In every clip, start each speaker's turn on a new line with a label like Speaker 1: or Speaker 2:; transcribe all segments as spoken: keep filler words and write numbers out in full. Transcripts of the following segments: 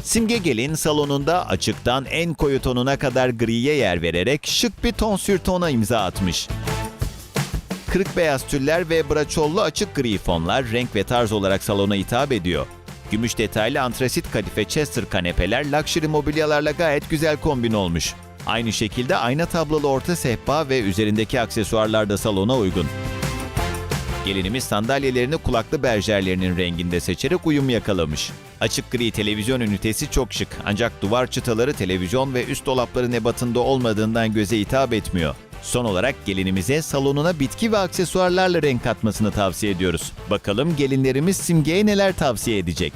Speaker 1: Simge Gelin salonunda açıktan en koyu tonuna kadar griye yer vererek şık bir tonsür tona imza atmış. Kırık beyaz tüller ve braçollu açık gri fonlar renk ve tarz olarak salona hitap ediyor. Gümüş detaylı antrasit kadife Chester kanepeler luxury mobilyalarla gayet güzel kombin olmuş. Aynı şekilde ayna tablolu orta sehpa ve üzerindeki aksesuarlar da salona uygun. Gelinimiz sandalyelerini kulaklı berjerlerinin renginde seçerek uyum yakalamış. Açık gri televizyon ünitesi çok şık ancak duvar çıtaları televizyon ve üst dolapların ebatında olmadığından göze hitap etmiyor. Son olarak gelinimize salonuna bitki ve aksesuarlarla renk katmasını tavsiye ediyoruz. Bakalım gelinlerimiz Simge'ye neler tavsiye edecek?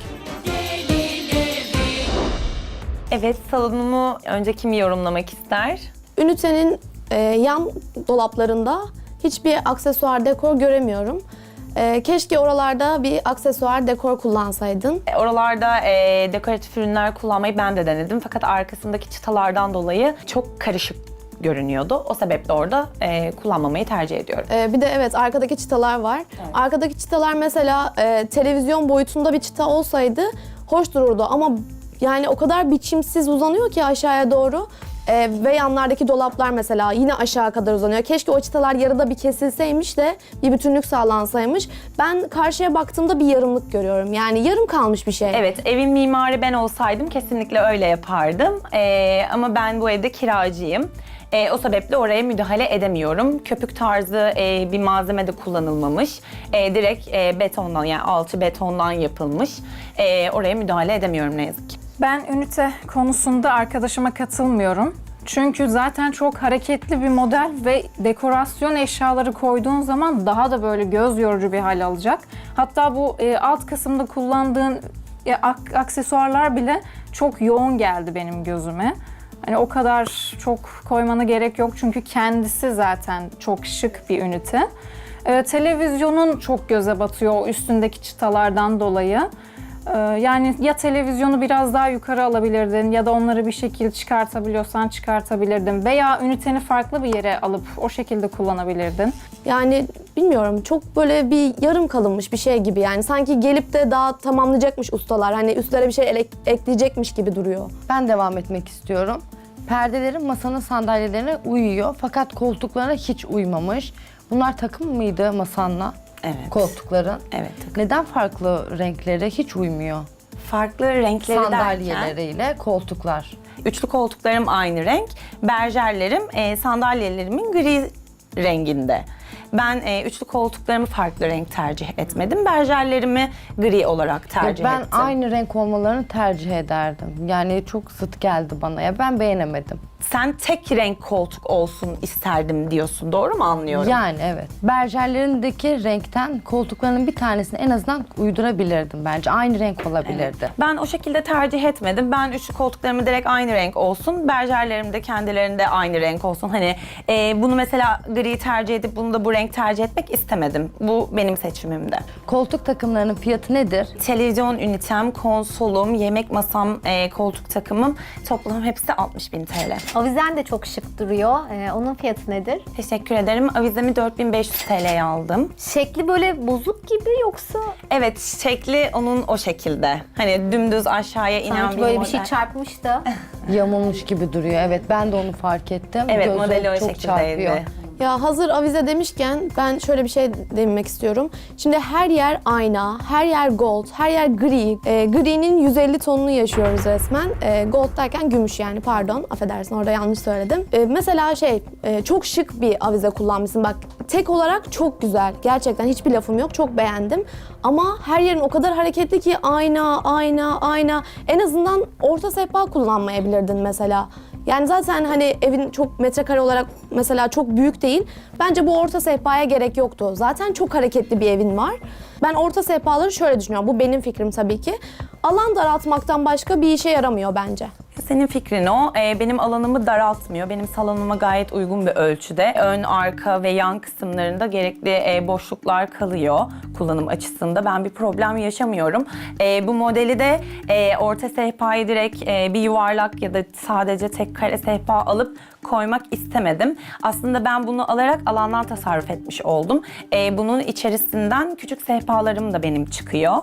Speaker 2: Evet, salonumu önce kim yorumlamak ister?
Speaker 3: Ünitenin e, yan dolaplarında hiçbir aksesuar dekor göremiyorum. E, keşke oralarda bir aksesuar dekor kullansaydın.
Speaker 2: E, Oralarda e, dekoratif ürünler kullanmayı ben de denedim. Fakat arkasındaki çıtalardan dolayı çok karışık görünüyordu. O sebeple orada e, kullanmamayı tercih ediyorum.
Speaker 3: E, bir de evet arkadaki çıtalar var.
Speaker 2: Evet.
Speaker 3: Arkadaki çıtalar mesela e, televizyon boyutunda bir çıta olsaydı hoş dururdu ama yani o kadar biçimsiz uzanıyor ki aşağıya doğru. Ee, ve yanlardaki dolaplar mesela yine aşağı kadar uzanıyor. Keşke o çıtalar yarıda bir kesilseymiş de bir bütünlük sağlansaymış. Ben karşıya baktığımda bir yarımlık görüyorum. Yani yarım kalmış bir şey.
Speaker 2: Evet, evin mimarı ben olsaydım kesinlikle öyle yapardım. E, ama ben bu evde kiracıyım. E, o sebeple oraya müdahale edemiyorum. Köpük tarzı e, bir malzeme de kullanılmamış. E, direkt e, betondan yani alçı betondan yapılmış. E, oraya müdahale edemiyorum ne yazık ki.
Speaker 4: Ben ünite konusunda arkadaşıma katılmıyorum. Çünkü zaten çok hareketli bir model ve dekorasyon eşyaları koyduğun zaman daha da böyle göz yorucu bir hal alacak. Hatta bu e, alt kısımda kullandığın e, ak- aksesuarlar bile çok yoğun geldi benim gözüme. Hani o kadar çok koymana gerek yok çünkü kendisi zaten çok şık bir ünite. E, televizyonun çok göze batıyor o üstündeki çıtalardan dolayı. Ee, Yani ya televizyonu biraz daha yukarı alabilirdin ya da onları bir şekilde çıkartabiliyorsan çıkartabilirdin veya üniteni farklı bir yere alıp o şekilde kullanabilirdin.
Speaker 3: Yani bilmiyorum çok böyle bir yarım kalınmış bir şey gibi yani. Sanki gelip de daha tamamlayacakmış ustalar. Hani üstlere bir şey ele- ekleyecekmiş gibi duruyor.
Speaker 5: Ben devam etmek istiyorum. Perdelerin masanın sandalyelerine uyuyor fakat koltuklarına hiç uymamış. Bunlar takım mıydı masanla?
Speaker 2: Evet.
Speaker 5: Koltukların.
Speaker 2: Evet, takım.
Speaker 5: Neden farklı renkleri hiç uymuyor?
Speaker 2: Farklı renkleri derken...
Speaker 5: Sandalyeleriyle koltuklar.
Speaker 2: Üçlü koltuklarım aynı renk. Berjerlerim e, sandalyelerimin gri renginde. Ben e, üçlü koltuklarımı farklı renk tercih etmedim. Berjerlerimi gri olarak tercih
Speaker 5: ben
Speaker 2: ettim.
Speaker 5: aynı renk olmalarını tercih ederdim. Yani çok zıt geldi bana ya. Ben beğenemedim.
Speaker 2: Sen tek renk koltuk olsun isterdim diyorsun. Doğru mu anlıyorum?
Speaker 5: Yani evet. Berjerlerindeki renkten koltuklarının bir tanesini en azından uydurabilirdim bence. Aynı renk olabilirdi.
Speaker 2: Ben o şekilde tercih etmedim. Ben üçlü koltuklarımı direkt aynı renk olsun. Berjerlerim de kendilerinde aynı renk olsun. Hani e, bunu mesela gri tercih edip bunu da bu renk tercih etmek istemedim. Bu benim seçimimde.
Speaker 5: Koltuk takımlarının fiyatı nedir?
Speaker 2: Televizyon ünitem, konsolum, yemek masam, e, koltuk takımım toplam hepsi altmış bin T L.
Speaker 6: Avizen de çok şık duruyor. Ee, onun fiyatı nedir?
Speaker 2: Teşekkür ederim. Avizemi dört bin beş yüz T L'ye aldım.
Speaker 6: Şekli böyle bozuk gibi yoksa
Speaker 2: Evet, şekli onun o şekilde. Hani dümdüz aşağıya inen
Speaker 6: sanki
Speaker 2: bir
Speaker 6: böyle
Speaker 2: model.
Speaker 6: bir şey çarpmış da.
Speaker 5: Yamulmuş gibi duruyor. Evet ben de onu fark ettim.
Speaker 2: Evet,
Speaker 5: Gözüm
Speaker 2: modeli o
Speaker 5: çok
Speaker 2: şekildeydi.
Speaker 5: çarpıyor.
Speaker 3: Ya hazır avize demişken ben şöyle bir şey demek istiyorum. Şimdi her yer ayna, her yer gold, her yer gri. E, gri'nin yüz elli tonunu yaşıyoruz resmen. E, gold derken gümüş yani pardon affedersin orada yanlış söyledim. E, mesela şey e, çok şık bir avize kullanmışsın bak tek olarak çok güzel. Gerçekten hiçbir lafım yok çok beğendim. Ama her yerin o kadar hareketli ki ayna, ayna, ayna. En azından orta sehpa kullanmayabilirdin mesela. Yani zaten hani evin çok metrekare olarak mesela çok büyük değil. Bence bu orta sehpaya gerek yoktu. Zaten çok hareketli bir evin var. Ben orta sehpaları şöyle düşünüyorum. Bu benim fikrim tabii ki. Alan daraltmaktan başka bir işe yaramıyor bence.
Speaker 2: Senin fikrin o. Ee, benim alanımı daraltmıyor. Benim salonuma gayet uygun bir ölçüde. Ön, arka ve yan kısımlarında gerekli e, boşluklar kalıyor kullanım açısında. Ben bir problem yaşamıyorum. E, bu modeli de e, orta sehpayı direkt e, bir yuvarlak ya da sadece tek kare sehpa alıp koymak istemedim. Aslında ben bunu alarak alandan tasarruf etmiş oldum. E, bunun içerisinden küçük sehpalarım da benim çıkıyor.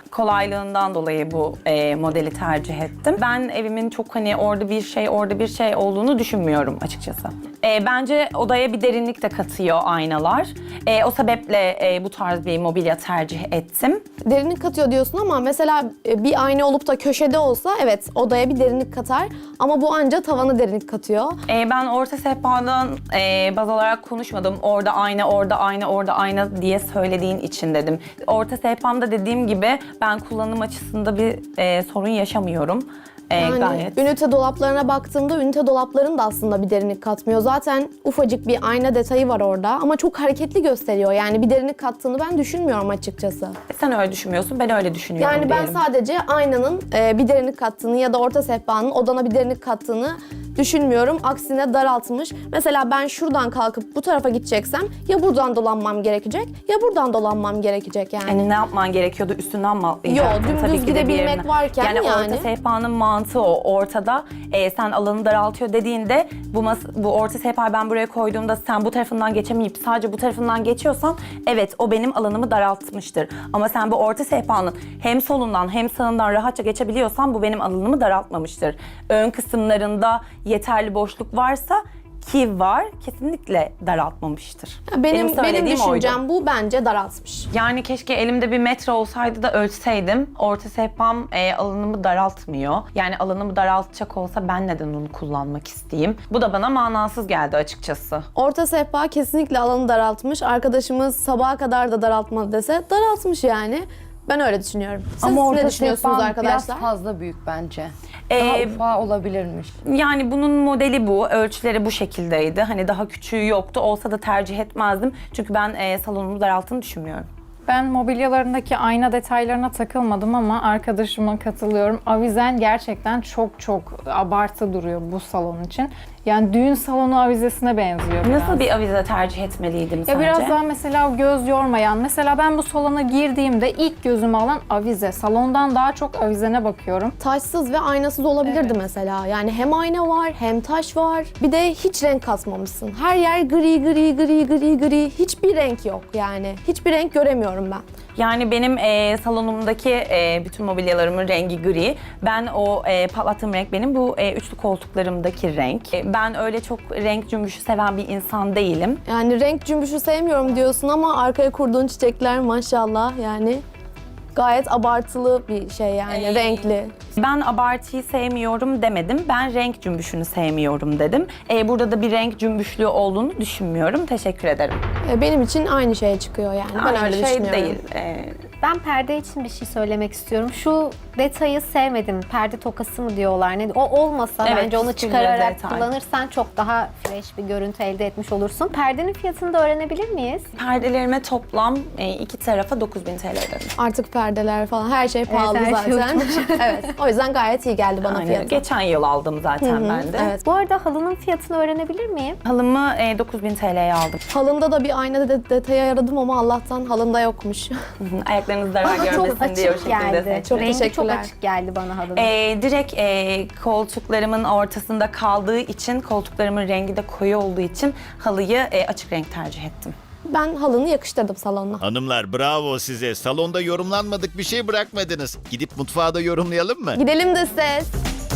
Speaker 2: kolaylığından dolayı bu e, modeli tercih ettim. Ben evimin çok hani orada bir şey, orada bir şey olduğunu düşünmüyorum açıkçası. E, bence odaya bir derinlik de katıyor aynalar. E, o sebeple e, bu tarz bir mobilya tercih ettim.
Speaker 3: Derinlik katıyor diyorsun ama mesela e, bir ayna olup da köşede olsa evet odaya bir derinlik katar ama bu anca tavana derinlik katıyor.
Speaker 2: E, ben orta sehpadan e, baz alarak konuşmadım. Orada ayna, orada ayna, orada ayna diye söylediğin için dedim. Orta sehpamda dediğim gibi ben kullanım açısında bir e, sorun yaşamıyorum. E,
Speaker 3: Yani
Speaker 2: gayet.
Speaker 3: ünite dolaplarına baktığımda ünite dolapların da aslında bir derinlik katmıyor. Zaten ufacık bir ayna detayı var orada ama çok hareketli gösteriyor. Yani bir derinlik kattığını ben düşünmüyorum açıkçası.
Speaker 2: Sen öyle düşünmüyorsun, ben öyle düşünüyorum
Speaker 3: Yani ben
Speaker 2: diyelim.
Speaker 3: sadece aynanın e, bir derinlik kattığını ya da orta sehpanın odana bir derinlik kattığını düşünmüyorum. Aksine daraltmış. Mesela ben şuradan kalkıp bu tarafa gideceksem ya buradan dolanmam gerekecek ya buradan dolanmam gerekecek yani.
Speaker 2: Yani ne yapman gerekiyordu? Üstünden mi atlayacaktın?
Speaker 3: Yo, dümdüz
Speaker 2: Tabii ki de bir
Speaker 3: gidebilmek
Speaker 2: yerine.
Speaker 3: varken
Speaker 2: yani.
Speaker 3: yani.
Speaker 2: orta sehpanın mantığı o. Ortada e, sen alanı daraltıyor dediğinde bu, mas- bu orta sehpayı ben buraya koyduğumda sen bu tarafından geçemeyip sadece bu tarafından geçiyorsan evet o benim alanımı daraltmıştır. Ama sen bu orta sehpanın hem solundan hem sağından rahatça geçebiliyorsan bu benim alanımı daraltmamıştır. Ön kısımlarında yeterli boşluk varsa ki var kesinlikle daraltmamıştır.
Speaker 3: Benim benim,
Speaker 2: söylediğim
Speaker 3: düşüncem
Speaker 2: oydu.
Speaker 3: bu, bence daraltmış.
Speaker 2: Yani keşke elimde bir metre olsaydı da ölçseydim. Orta sehpam e, alanımı daraltmıyor. Yani alanımı daraltacak olsa ben neden onu kullanmak isteyeyim? Bu da bana manasız geldi açıkçası.
Speaker 3: Orta sehpa kesinlikle alanı daraltmış. Arkadaşımız sabaha kadar da daraltmadı dese daraltmış yani. Ben öyle düşünüyorum. Siz
Speaker 5: Ama
Speaker 3: ne
Speaker 5: orta
Speaker 3: düşünüyorsunuz
Speaker 5: sehpan
Speaker 3: arkadaşlar?
Speaker 5: biraz fazla büyük bence. Daha
Speaker 2: Ee,
Speaker 5: ufağı olabilirmiş.
Speaker 2: Yani bunun modeli bu, ölçüleri bu şekildeydi. Hani daha küçüğü yoktu. Olsa da tercih etmezdim. Çünkü ben e, salonumu daralttığını düşünmüyorum.
Speaker 4: Ben mobilyalarındaki ayna detaylarına takılmadım ama arkadaşıma katılıyorum. Avizen gerçekten çok çok abartı duruyor bu salon için. Yani düğün salonu avizesine benziyor biraz.
Speaker 2: Nasıl bir avize tercih etmeliydim
Speaker 4: Ya
Speaker 2: sence?
Speaker 4: biraz daha mesela göz yormayan, mesela ben bu salona girdiğimde ilk gözümü alan avize. Salondan daha çok avizene bakıyorum.
Speaker 3: Taşsız ve aynasız olabilirdi
Speaker 4: Evet.
Speaker 3: mesela. Yani hem ayna var hem taş var. Bir de hiç renk katmamışsın. Her yer gri gri gri gri gri. Hiçbir renk yok yani. Hiçbir renk göremiyorum ben.
Speaker 2: Yani benim e, salonumdaki e, bütün mobilyalarımın rengi gri. Ben o e, patlattığım renk benim bu e, üçlü koltuklarımdaki renk. E, ben öyle çok renk cümbüşü seven bir insan değilim.
Speaker 3: Yani renk cümbüşü sevmiyorum diyorsun ama arkaya kurduğun çiçekler maşallah yani gayet abartılı bir şey yani
Speaker 2: Ee,
Speaker 3: renkli.
Speaker 2: Ben abartıyı sevmiyorum demedim. Ben renk cümbüşünü sevmiyorum dedim. E, burada da bir renk cümbüşlüğü olduğunu düşünmüyorum. Teşekkür ederim.
Speaker 3: E, Benim için aynı şeye çıkıyor yani. Ben
Speaker 2: Aynı
Speaker 3: öyle
Speaker 2: şey
Speaker 3: düşünüyorum.
Speaker 2: değil. E,
Speaker 6: Ben perde için bir şey söylemek istiyorum. Şu detayı sevmedim. Perde tokası mı diyorlar? Ne? O olmasa
Speaker 2: Evet,
Speaker 6: bence onu
Speaker 2: üstünde
Speaker 6: çıkararak
Speaker 2: detay.
Speaker 6: kullanırsan çok daha fresh bir görüntü elde etmiş olursun. Perdenin fiyatını da öğrenebilir miyiz?
Speaker 2: perdelerime toplam e, iki tarafa dokuz bin T L ödedim.
Speaker 3: Artık perdeler falan her şey pahalı
Speaker 6: her şey
Speaker 3: zaten. evet. O yüzden gayet iyi geldi bana
Speaker 2: Aynen.
Speaker 3: fiyatı.
Speaker 2: Geçen yıl aldım zaten ben de.
Speaker 3: Evet.
Speaker 6: Bu arada halının fiyatını öğrenebilir miyim?
Speaker 2: Halımı e, dokuz bin T L'ye aldım.
Speaker 3: Halında da bir ayna de- detayı aradım ama Allah'tan halında yokmuş.
Speaker 2: Ayaklarınız zarar
Speaker 6: Çok
Speaker 2: görmesin diye o
Speaker 6: açık
Speaker 2: şekilde
Speaker 6: geldi.
Speaker 2: seçtim.
Speaker 3: Çok
Speaker 6: Rengi çok
Speaker 3: teşekkürler.
Speaker 6: açık geldi bana halının.
Speaker 2: E, direkt e, koltuklarımın ortasında kaldığı için, koltuklarımın rengi de koyu olduğu için halıyı e, açık renk tercih ettim.
Speaker 3: Ben halını yakıştırdım salonuna.
Speaker 1: Hanımlar bravo size. Salonda yorumlanmadık bir şey bırakmadınız. Gidip mutfağa da yorumlayalım mı?
Speaker 3: Gidelim de ses.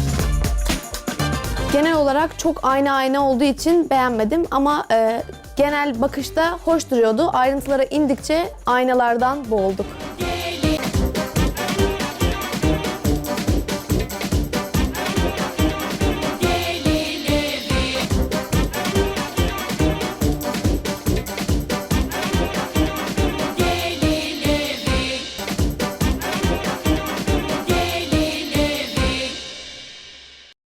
Speaker 3: Genel olarak çok ayna ayna olduğu için beğenmedim ama e, genel bakışta hoş duruyordu. Ayrıntılara indikçe aynalardan boğulduk.